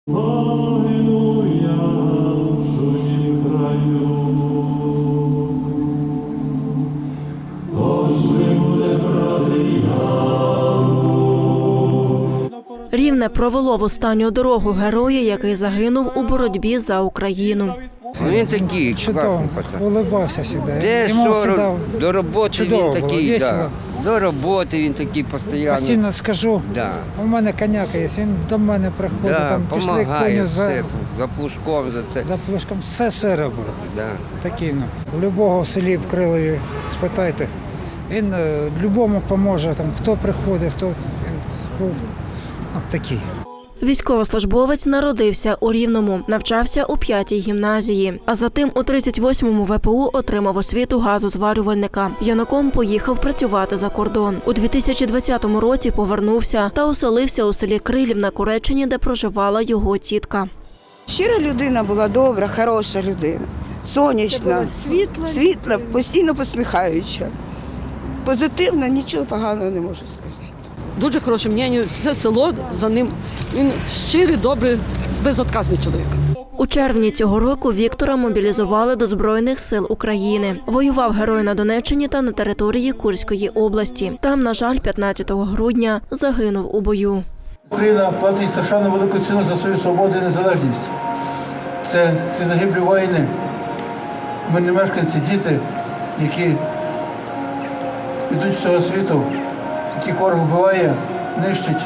Рівне провело в останню дорогу героя, який загинув у боротьбі за Україну. Він такий, чудово, улыбався завжди. Де Йому що, завжди до роботи чудово він такий, було, да. До роботи він такий постійно. постійно скажу, Да. у мене коняка є, він до мене приходить, Да, там пішли помагає коні все, за плужком, за це. за плужком, все робив. Да. Такий, любого в селі в Крилові спитайте, він любому поможе, там, хто приходить, хто він був такий. Військовослужбовець народився у Рівному, навчався у 5-й гімназії, а затим у 38-му ВПУ отримав освіту газозварювальника. Юнаком поїхав працювати за кордон. У 2020 році повернувся та оселився у селі Крилів на Куреччині, де проживала його тітка. Щира людина була, добра, хороша людина, сонячна, світла, постійно посміхаюча. Позитивна, нічого поганого не можу сказати. Дуже хороше мнення, все село за ним. Він щирий, добрий, безотказний чоловік. У червні цього року Віктора мобілізували до Збройних сил України. Воював герой на Донеччині та на території Курської області. Там, на жаль, 15 грудня загинув у бою. Україна платить страшенно велику ціну за свою свободу і незалежність. Це ці загиблі воїни, мирні мешканці, діти, які йдуть з цього світу, яких ворог вбиває, нищить.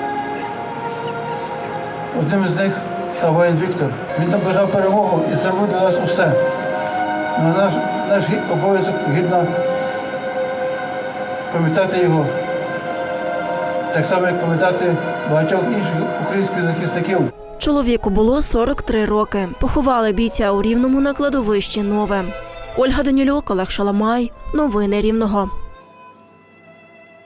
Одним із них став воїн Віктор. Він там бажав перемогу і зробив для нас усе. Наш обов'язок гідно пам'ятати його, так само, як пам'ятати багатьох інших українських захисників. Чоловіку було 43 роки. Поховали бійця у Рівному на кладовищі Нове. Ольга Данілюк, Олег Шаламай. Новини Рівного.